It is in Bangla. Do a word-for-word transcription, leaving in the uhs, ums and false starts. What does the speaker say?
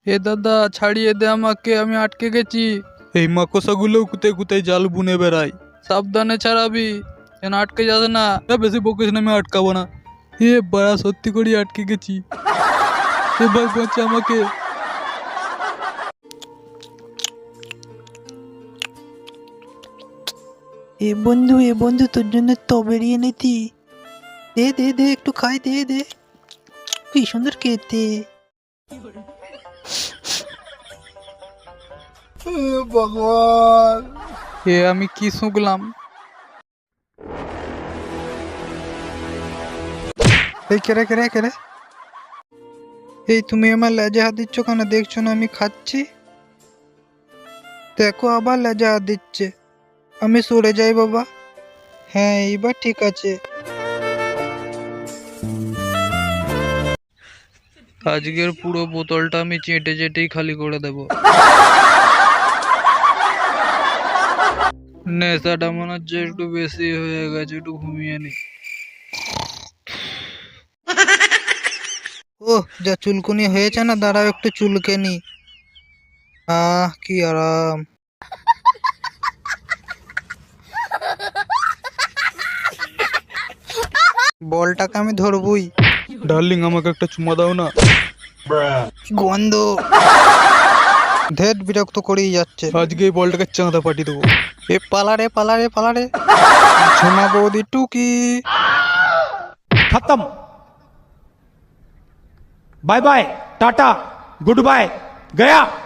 এ দাদা ছাড়িয়ে দে আমাকে, আমি আটকে গেছি। এই মাকড়সাগুলো কোথায় কোথায় জাল বুনে বেড়ায়, সাবধানে ছাড়াবি যেন আটকে যাস না। এ, বেশি বকিস না, আমি আটকাবো না। এ বাড়া, সত্যি করে আটকে গেছি। এ ভাই বাঁচা আমাকে। এ বন্ধু এ বন্ধু তোর জন্য স্ট্রবেরি এনেছি, দে দে দে একটু খাই, দে দে, কি সুন্দর খেতে। ভগবান, এ আমি কি শুনলাম? এই কেরে কেরে কেরে, এই তুমি আমার লেজে হাত দিচ্ছ কেন? দেখছো না আমি খাচ্ছি? দেখো আবার লেজে হাত দিচ্ছে। আমি সরে যাই বাবা। হ্যাঁ এইবার ঠিক আছে। আজকের পুরো বোতলটা আমি চেটে চেটেই খালি করে দেব। নেশাটা মনে হচ্ছে একটু বেশি হয়ে গেছে, একটু ঘুমিয়ে নি। ও যা চুলকুনি হয়েছে না, দাঁড়াও একটু চুলকে নি। আহ কি আরাম। বলটাকে আমি ধরবই। ডার্লিং আমাকে একটা চুমা দাও না। গন্ধ, ধেট বিরক্ত করেই যাচ্ছে। আজকে এই বলটাকে চাঁদা পাঠিয়ে দেবো। এ পালারে পালারে পালারে, ঝুমা বৌদি টুকি। खत्म। Bye bye tata good bye गया।